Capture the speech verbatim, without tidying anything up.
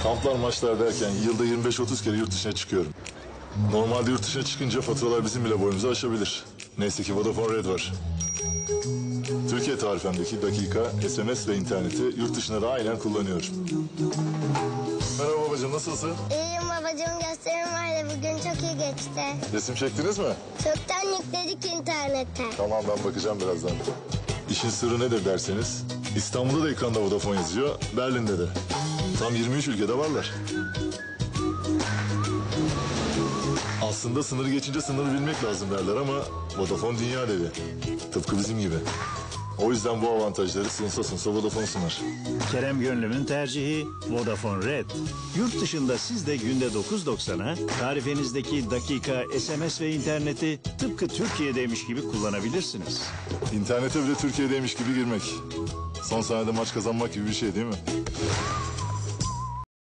Kamplar, maçlar derken yılda yirmi beş otuz kere yurt dışına çıkıyorum. Normalde yurt dışına çıkınca faturalar bizim bile boyumuzu aşabilir. Neyse ki Vodafone Red var. Türkiye tarifemdeki dakika, S M S ve interneti yurt dışına da aynen kullanıyorum. Merhaba babacığım, nasılsın? İyiyim babacığım, gösterim vardı bugün, çok iyi geçti. Resim çektiniz mi? Çoktan yükledik internete. Tamam, ben bakacağım birazdan. İşin sırrı nedir derseniz, İstanbul'da da ekranda Vodafone yazıyor, Berlin'de de. Tam yirmi üç ülkede varlar. Aslında sınırı geçince sınırı bilmek lazım derler ama Vodafone dünya devi. Tıpkı bizim gibi. O yüzden bu avantajları sınısa sınısa Vodafone sunar. Kerem Gönlüm'ün tercihi Vodafone Red. Yurt dışında siz de günde dokuz doksana tarifenizdeki dakika, S M S ve interneti tıpkı Türkiye'deymiş gibi kullanabilirsiniz. İnternete bile Türkiye'deymiş gibi girmek. Son saniyede maç kazanmak gibi bir şey değil mi?